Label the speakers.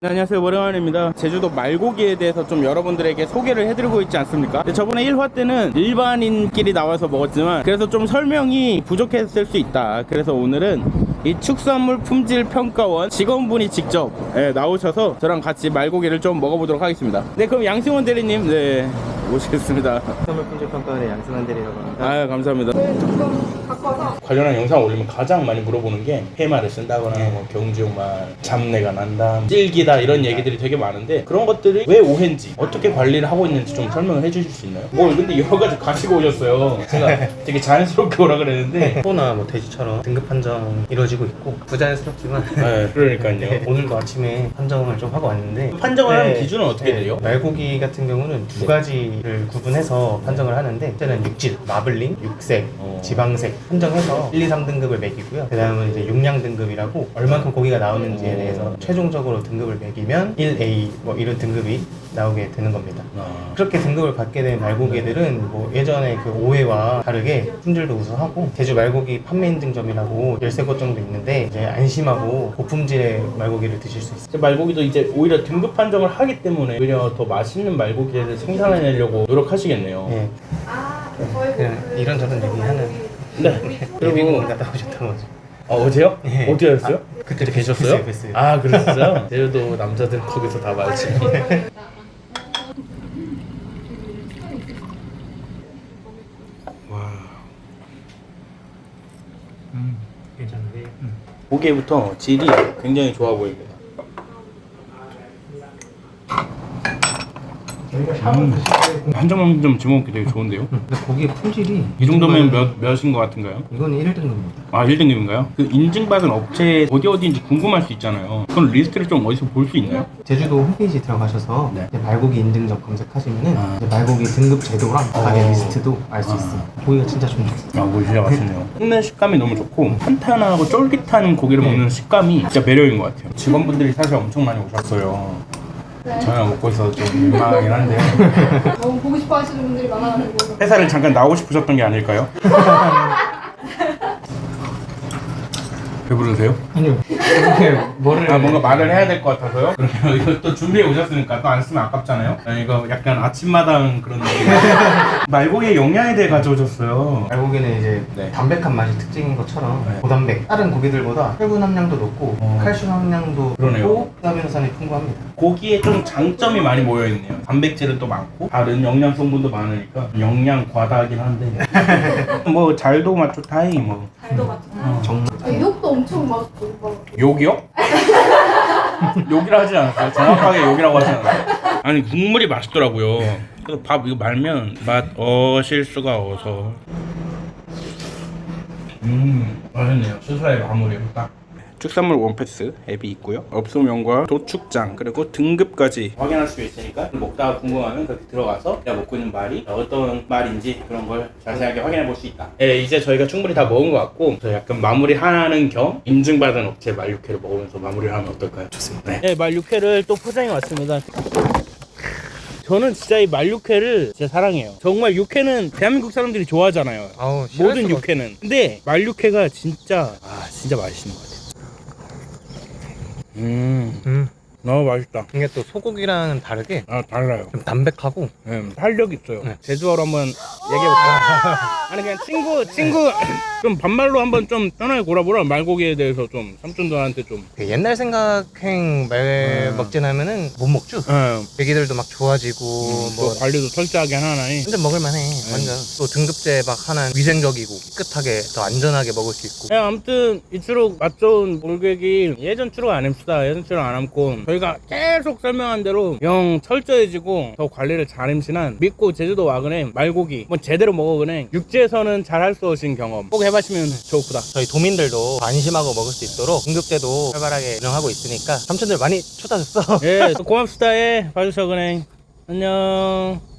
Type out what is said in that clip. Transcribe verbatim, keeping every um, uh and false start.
Speaker 1: 네, 안녕하세요, 오랜만입니다. 제주도 말고기에 대해서 좀 여러분들에게 소개를 해드리고 있지 않습니까? 저번에 일 화 때는 일반인끼리 나와서 먹었지만 그래서 좀 설명이 부족했을 수 있다. 그래서 오늘은 이 축산물 품질 평가원 직원분이 직접 네, 나오셔서 저랑 같이 말고기를 좀 먹어보도록 하겠습니다. 네, 그럼 양승원 대리님, 네, 모시겠습니다.
Speaker 2: 축산물 품질 평가원의 양승환 대리라고 합니다.
Speaker 1: 아, 감사합니다. 관련한 영상 올리면 가장 많이 물어보는 게 해마를 쓴다거나
Speaker 2: 네.
Speaker 1: 뭐 경주말, 잡내가 난다, 질기다 이런 얘기들이 되게 많은데 그런 것들이 왜 오해인지 어떻게 관리를 하고 있는지 좀 설명을 해주실 수 있나요? 뭐 근데 여러 가지 가지고 오셨어요. 제가 되게 자연스럽게 오라 그랬는데
Speaker 2: 소나 뭐 돼지처럼 등급 판정 이루어지고 있고 부자연스럽지만
Speaker 1: 네, 그러니까요.
Speaker 2: 네, 오늘도 아침에 판정을 좀 하고 왔는데
Speaker 1: 판정을 하는
Speaker 2: 네,
Speaker 1: 기준은 어떻게
Speaker 2: 네,
Speaker 1: 돼요?
Speaker 2: 말고기 같은 경우는 두 가지를 구분해서 판정을 하는데 첫째는 육질, 마블링, 육색,
Speaker 1: 어.
Speaker 2: 지방색 판정해서 일, 이, 삼 등급을 매기고요. 그 다음은 이제 용량 등급이라고 얼만큼 고기가 나오는지에
Speaker 1: 어.
Speaker 2: 대해서 최종적으로 등급을 매기면 일 에이 뭐 이런 등급이 나오게 되는 겁니다.
Speaker 1: 아.
Speaker 2: 그렇게 등급을 받게 된 말고기들은 뭐 예전에 그 오해와 다르게 품질도 우수하고 제주 말고기 판매 인증점이라고 열세 곳 정도 있는데 이제 안심하고 고품질의 말고기를 드실 수 있어요.
Speaker 1: 말고기도 이제 오히려 등급 판정을 하기 때문에 오히려 더 맛있는 말고기를 생산해내려고 노력하시겠네요.
Speaker 2: 예. 그냥 이런저런 얘기하는
Speaker 1: 네.
Speaker 2: 예비군 갔다 오셨던 거죠.
Speaker 1: 아, 어제요?
Speaker 2: 예.
Speaker 1: 어디 가셨어요?
Speaker 2: 그때
Speaker 1: 계셨어요?
Speaker 2: 뵀어요.
Speaker 1: 아, 그랬어요? 제주도 남자들 거기서 다 말지. 와.
Speaker 2: 음, 괜찮은데. 음.
Speaker 1: 보기에부터 질이 굉장히 좋아 보입니다. 음. 한 점 한 점 집어먹기 되게 좋은데요?
Speaker 2: 근데 고기의 품질이
Speaker 1: 이 정도면
Speaker 2: 정말-
Speaker 1: 몇, 몇인 것 같은가요?
Speaker 2: 이거는 일 등급입니다.
Speaker 1: 아, 일 등급인가요? 그 인증받은 업체 어디 어디인지 궁금할 수 있잖아요. 그건 리스트를 좀 어디서 볼 수 있나요?
Speaker 2: 제주도 홈페이지 들어가셔서
Speaker 1: 네.
Speaker 2: 이제 말고기 인증점 검색하시면은
Speaker 1: 아.
Speaker 2: 이제 말고기 등급 제도랑 가게
Speaker 1: 어.
Speaker 2: 리스트도 알 수
Speaker 1: 아.
Speaker 2: 있어요. 고기가 진짜 좋네요.
Speaker 1: 아, 뭐 진짜 맛있네요. 씹는 식감이 너무 좋고 탄탄하고 쫄깃한 고기를 먹는 식감이 진짜 매력인 것 같아요. 직원분들이 사실 엄청 많이 오셨어요. 저녁 먹고 있어서 좀 민망하긴 한데
Speaker 3: 너무 보고 싶어 하시는 분들이 많아가지고
Speaker 1: 회사를 잠깐 나오고 싶으셨던 게 아닐까요? 배부르세요?
Speaker 2: 아니요. 뭐를
Speaker 1: 아, 뭔가 말을 해야 될 것 같아서요? 그러면 이거 또 준비해 오셨으니까 또 안 쓰면 아깝잖아요? 아, 이거 약간 아침마당 그런 느낌. 말고기의 영양에 대해 가져오셨어요.
Speaker 2: 말고기는 이제
Speaker 1: 네.
Speaker 2: 담백한 맛이 특징인 것처럼
Speaker 1: 네.
Speaker 2: 고단백 다른 고기들보다 혈분 함량도 높고
Speaker 1: 어.
Speaker 2: 칼슘 함량도
Speaker 1: 그러네요.
Speaker 2: 높고 아미노산이 풍부합니다.
Speaker 1: 고기에 좀 장점이 많이 모여있네요. 단백질은 또 많고 다른 영양 성분도 많으니까 영양 과다하긴 한데 뭐 잘도 맞죠 다행히 뭐.
Speaker 3: 잘도 같아.
Speaker 2: 정말
Speaker 3: 아, 욕도 엄청 맛있고 막
Speaker 1: 욕이요? 욕이라 하지 않았어요. 정확하게 욕이라고 하지 않았어요. 아니 국물이 맛있더라고요. 그래서 밥 이거 말면 맛 어실 수가 어서. 음 맛있네요. 수사의 마무리 딱. 축산물 원패스 앱이 있고요. 업소명과 도축장 그리고 등급까지 확인할 수 있으니까 먹다가 궁금하면 그렇게 들어가서 내가 먹고 있는 말이 어떤 말인지 그런 걸 자세하게 확인해 볼 수 있다. 네, 이제 저희가 충분히 다 먹은 것 같고 저 약간 마무리하는 겸 인증받은 업체 말 육회를 먹으면서 마무리를 하면 어떨까요? 좋습니다. 네, 말 육회를 또 포장해 왔습니다. 저는 진짜 이 말 육회를 진짜 사랑해요. 정말 육회는 대한민국 사람들이 좋아하잖아요.
Speaker 2: 아우,
Speaker 1: 모든 육회는. 근데 말 육회가 진짜 아 진짜 맛있는 것 같아요. 음,
Speaker 2: 음.
Speaker 1: 너무 맛있다.
Speaker 2: 이게 또 소고기랑은 다르게
Speaker 1: 아 달라요.
Speaker 2: 좀 담백하고
Speaker 1: 네, 활력 있어요.
Speaker 2: 네.
Speaker 1: 제주어로 한번 얘기해볼까요? 아니 그냥 친구 친구 좀 반말로 한번 좀 편하게 골아보라. 말고기에 대해서 좀 삼촌들한테 좀.
Speaker 2: 그 옛날 생각행 말
Speaker 1: 음.
Speaker 2: 먹진 하면은 못 먹죠.
Speaker 1: 네,
Speaker 2: 애기들도 막 좋아지고
Speaker 1: 또
Speaker 2: 뭐
Speaker 1: 관리도 철저하게 하나니.
Speaker 2: 완전 먹을만해. 완전 또 등급제 막 하나 위생적이고 깨끗하게 더 안전하게 먹을 수 있고.
Speaker 1: 네, 아무튼 이추록 맛 좋은 몰객이 예전 추록 안 합시다. 예전 추록 안 함고 저희가 계속 설명한 대로 영 철저해지고 더 관리를 잘 임신한 믿고 제주도 와그네 말고기 뭐 제대로 먹어그네 육지에서는 잘 할 수 없인 경험 꼭 해보시면 좋구다.
Speaker 2: 저희 도민들도 안심하고 먹을 수 있도록 등급제도 활발하게 운영하고 있으니까 삼촌들 많이 찾아줬어.
Speaker 1: 예, 또 고맙습니다. 예, 봐주셔 그네. 안녕.